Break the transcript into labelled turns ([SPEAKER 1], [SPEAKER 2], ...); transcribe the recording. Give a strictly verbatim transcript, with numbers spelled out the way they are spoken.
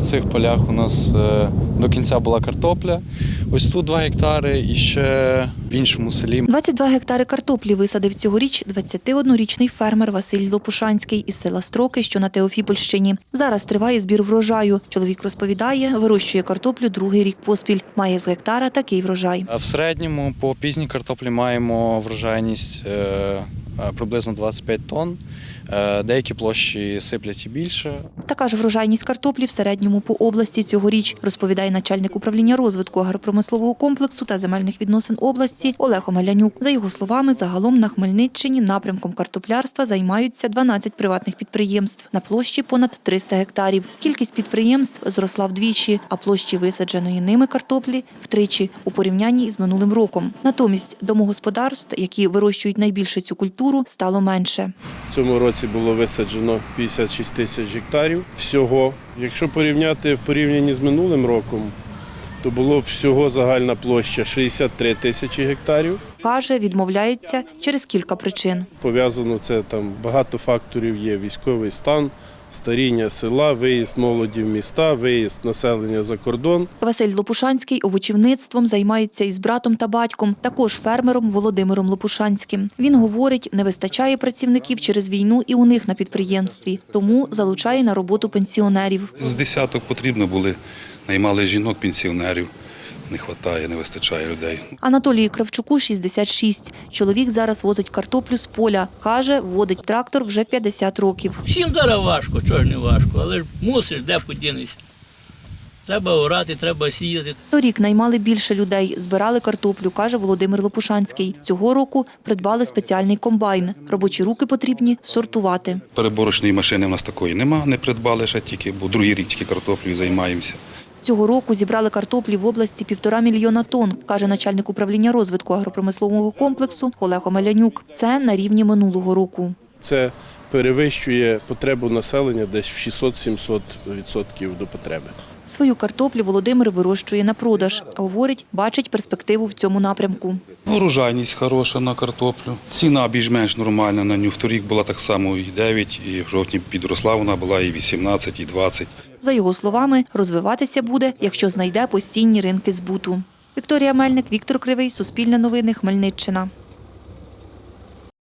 [SPEAKER 1] В цих полях у нас до кінця була картопля. Ось тут два гектари і ще в іншому селі.
[SPEAKER 2] двадцять два гектари картоплі висадив цьогоріч двадцятиоднорічний фермер Василь Лопушанський із села Строки, що на Теофіпольщині. Зараз триває збір врожаю. Чоловік розповідає, вирощує картоплю другий рік поспіль. Має з гектара такий врожай.
[SPEAKER 1] В середньому по пізній картоплі маємо врожайність приблизно двадцять п'ять тонн. Деякі площі сиплять і більше.
[SPEAKER 2] Така ж врожайність картоплі в середньому по області цьогоріч, розповідає начальник управління розвитку агропромислового комплексу та земельних відносин області Олег Омелянюк. За його словами, загалом на Хмельниччині напрямком картоплярства займаються дванадцять приватних підприємств на площі понад триста гектарів. Кількість підприємств зросла вдвічі, а площі висадженої ними картоплі – втричі у порівнянні із минулим роком. Натомість домогосподарств, які вирощують найбільше цю культуру, стало менше.
[SPEAKER 3] В цьому році було висаджено п'ятдесят шість тисяч гектарів всього. Якщо порівняти в порівнянні з минулим роком, то було всього загальна площа шістдесят три тисячі гектарів.
[SPEAKER 2] Каже, відмовляється через кілька причин.
[SPEAKER 3] Пов'язано це там багато факторів є: військовий стан, старіння села, виїзд молоді в міста, виїзд населення за кордон.
[SPEAKER 2] Василь Лопушанський овочівництвом займається із братом та батьком, також фермером Володимиром Лопушанським. Він говорить, не вистачає працівників через війну і у них на підприємстві, тому залучає на роботу пенсіонерів.
[SPEAKER 4] З десяток потрібно були, наймали жінок, пенсіонерів. Не вистачає, не вистачає людей.
[SPEAKER 2] Анатолію Кравчуку шістдесят шість. Чоловік зараз возить картоплю з поля. Каже, водить трактор вже п'ятдесят років.
[SPEAKER 5] Всім зараз важко, чого ж не важко, але ж мусиш, де подінешся. Треба орати, треба сіяти.
[SPEAKER 2] Торік наймали більше людей, збирали картоплю, каже Володимир Лопушанський. Цього року придбали спеціальний комбайн. Робочі руки потрібні сортувати.
[SPEAKER 4] Переборочної машини в нас такої нема, не придбали ще тільки, бо другий рік тільки картоплею займаємося.
[SPEAKER 2] Цього року зібрали картоплі в області півтора мільйона тонн, каже начальник управління розвитку агропромислового комплексу Олег Омелянюк. Це на рівні минулого року.
[SPEAKER 3] Це перевищує потребу населення десь в шістсот-сімсот відсотків до потреби.
[SPEAKER 2] Свою картоплю Володимир вирощує на продаж. Говорить, бачить перспективу в цьому напрямку.
[SPEAKER 4] Урожайність хороша на картоплю. Ціна більш-менш нормальна на нього. Вторік була так само і дев'ять, і в жовтні підросла вона була і вісімнадцять, і двадцять.
[SPEAKER 2] За його словами, розвиватися буде, якщо знайде постійні ринки збуту. Вікторія Мельник, Віктор Кривий, Суспільне новини, Хмельниччина.